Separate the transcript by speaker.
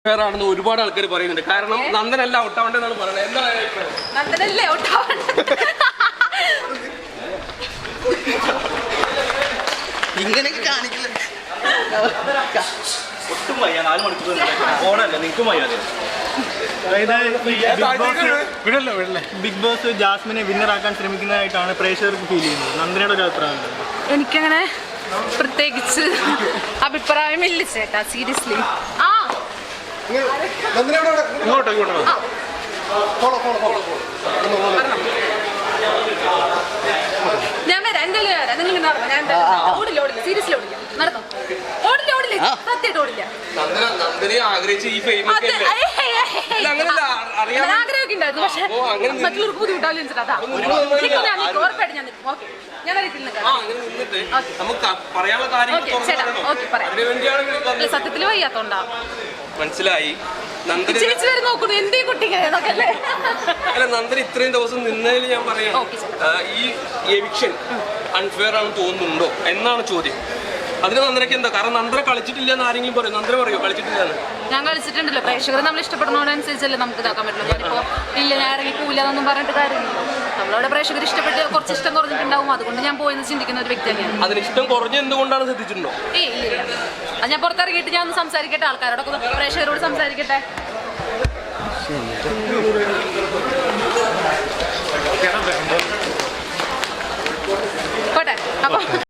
Speaker 1: ാണെന്ന് ഒരുപാട് ആൾക്കാർ പറയുന്നുണ്ട്. കാരണം നന്ദനല്ല ഔട്ടാവണ്ടെന്നാണ് പറയുന്നത്. എന്താണ്
Speaker 2: നന്ദനല്ലേ
Speaker 3: ഇങ്ങനെയൊക്കെ കാണിക്കില്ല.
Speaker 4: ഒട്ടും വയ്യ, 4 മണിക്കൂർ ഓണല്ല നിൽക്കും വയ്യ. ബിഗ് ബോസ് ജാസ്മിനെ വിന്നറാക്കാൻ ശ്രമിക്കുന്നതായിട്ടാണ് പ്രേക്ഷകർക്ക് ഫീൽ ചെയ്യുന്നത്. നന്ദനയുടെ ഒരു അഭിപ്രായം?
Speaker 2: എനിക്കങ്ങനെ പ്രത്യേകിച്ച് അഭിപ്രായമില്ല ചേട്ടാ, സീരിയസ്ലി. ഞാൻ വരാം, എന്തായാലും വരാം. നിങ്ങൾ ഓടില്ല, സീരിയസ്ലി ഓടില്ല, നടന്നോ? ഓടില്ല, സത്യമായിട്ട് ഓടില്ല.
Speaker 1: നന്ദനെ ആഗ്രഹിച്ച ഈ ഫെയിം
Speaker 2: ആഗ്രഹമൊക്കെ ഉണ്ടായിരുന്നു, പക്ഷെ മറ്റുള്ളവർക്ക് ബുദ്ധിമുട്ടാവില്ല ചേട്ടാ. ഉറപ്പായിട്ട് ഞാൻ നിൽക്കും. ഓക്കെ, ഞാൻ സത്യത്തിൽ വയ്യാത്തോണ്ടാ.
Speaker 1: മനസ്സിലായി.
Speaker 2: ചേച്ചി വരെ നോക്കുന്നു എന്തേ കുട്ടിക്ക്
Speaker 1: അല്ല, നന്ദന ഇത്രയും ദിവസം നിന്നതിൽ ഞാൻ പറയാം, ഈ എവിക്ഷൻ അൺഫെയർ ആണെന്ന് തോന്നുന്നുണ്ടോ എന്നാണ് ചോദ്യം. അതിന് നന്ദനയ്ക്ക് എന്താ? കാരണം നന്ദന കളിച്ചിട്ടില്ല എന്ന് ആരെങ്കിലും പറയും. നന്ദന പറയോ കളിച്ചിട്ടില്ലെന്ന്?
Speaker 2: ഞാൻ കളിച്ചിട്ടുണ്ടല്ലോ. പ്രേക്ഷകർ നമ്മൾ ഇഷ്ടപ്പെടുന്നതനുസരിച്ചല്ലേ നമുക്ക് ഇതാക്കാൻ പറ്റുള്ളൂ. ഞാനിപ്പോ ഇല്ല, ഞാൻ ഇറങ്ങിക്കൂല എന്നൊന്നും പറഞ്ഞിട്ട് കാര്യമില്ല. നമ്മളവിടെ പ്രേക്ഷകർ ഇഷ്ടപ്പെട്ട് കുറച്ച് ഇഷ്ടം കുറഞ്ഞിട്ടുണ്ടാവും, അതുകൊണ്ട് ഞാൻ പോയെന്ന് ചിന്തിക്കുന്ന ഒരു വ്യക്തി തന്നെയാണ്.
Speaker 1: അതിന് ഇഷ്ടം കുറഞ്ഞ എന്തുകൊണ്ടാണ് ശ്രദ്ധിച്ചിട്ടുണ്ടോ?
Speaker 2: ഇല്ല, അത് ഞാൻ പുറത്തിറങ്ങിയിട്ട് ഞാൻ ഒന്ന് സംസാരിക്കട്ടെ, ആൾക്കാരോടൊക്കെ പ്രേക്ഷകരോട് സംസാരിക്കട്ടെ. പോട്ടെ അപ്പൊ